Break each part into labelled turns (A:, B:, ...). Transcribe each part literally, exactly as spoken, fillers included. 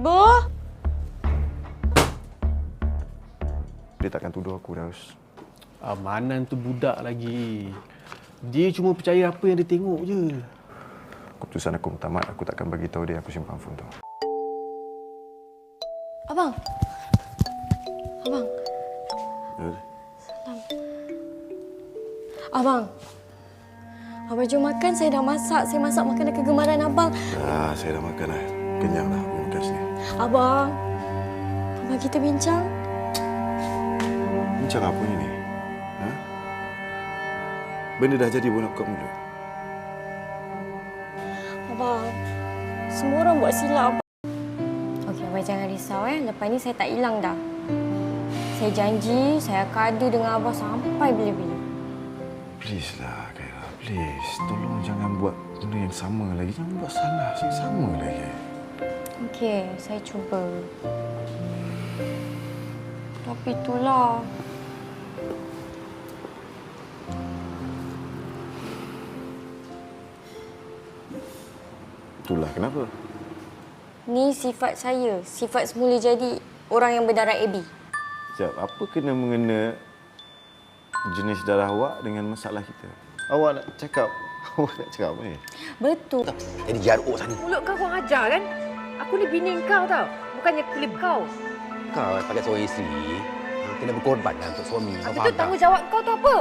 A: Ibu?
B: Dia takkan tuduh aku, Daus.
C: Amanan tu budak lagi. Dia cuma percaya apa yang dia tengok je.
B: Keputusan aku tamat, aku takkan bagi tahu dia aku simpan phone tu.
A: Abang. Abang.
B: Ya.
A: Salam. Abang. Abang jom makan, saya dah masak. Saya masak makanan kegemaran abang.
B: Dah, saya dah makan dah. Kenyang dah, aku makan sini.
A: Abang. Abang kita bincang.
B: Bincang apa ni? Ha? Benda dah jadi pun nak buka mulut.
A: Abang, semua orang buat silap. Okey, abang jangan risau eh. Lepas ni saya tak hilang dah. Saya janji saya akan ada dengan abang sampai bila-bila.
B: Please lah, Khaira. Please. Tolong jangan buat benda yang sama lagi. Jangan buat salah yang sama lagi.
A: Okey, saya cuba. Tapi itulah.
B: Itulah kenapa?
A: Ni sifat saya. Sifat semula jadi orang yang berdarah A B.
B: Sekejap, apa kena mengena jenis darah awak dengan masalah kita? Awak nak cakap, awak nak cakap apa ni?
A: Betul.
D: Jadi jaruk sana.
E: Mulut kau kurang ajar kan? Aku ni bini kau tau. Bukannya kulit kau.
D: Kau sebagai seorang isteri, kena berkorban lah untuk suami. Kau
E: Habis
D: faham
E: tu
D: tak?
E: tanggungjawab kau tu apa?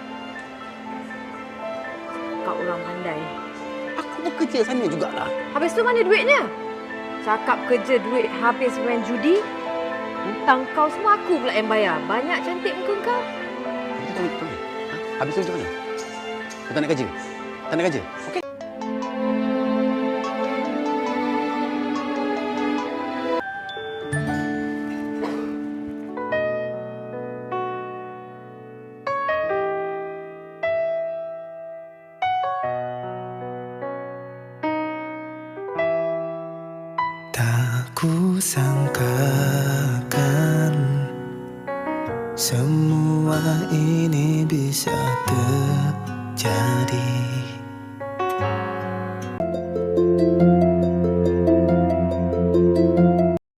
E: Kau orang pandai.
D: Aku bekerja sana jugalah.
E: Habis tu mana duitnya? Cakap kerja duit habis main judi. Hutang kau semua aku pula yang bayar. Banyak cantik muka kau.
D: Kita tahu itu. Ha? Habis tu macam mana? Kau tak nak kerja? Tak nak kerja? Okey.
F: Tak ku sangkakan semua ini bisa terjadi.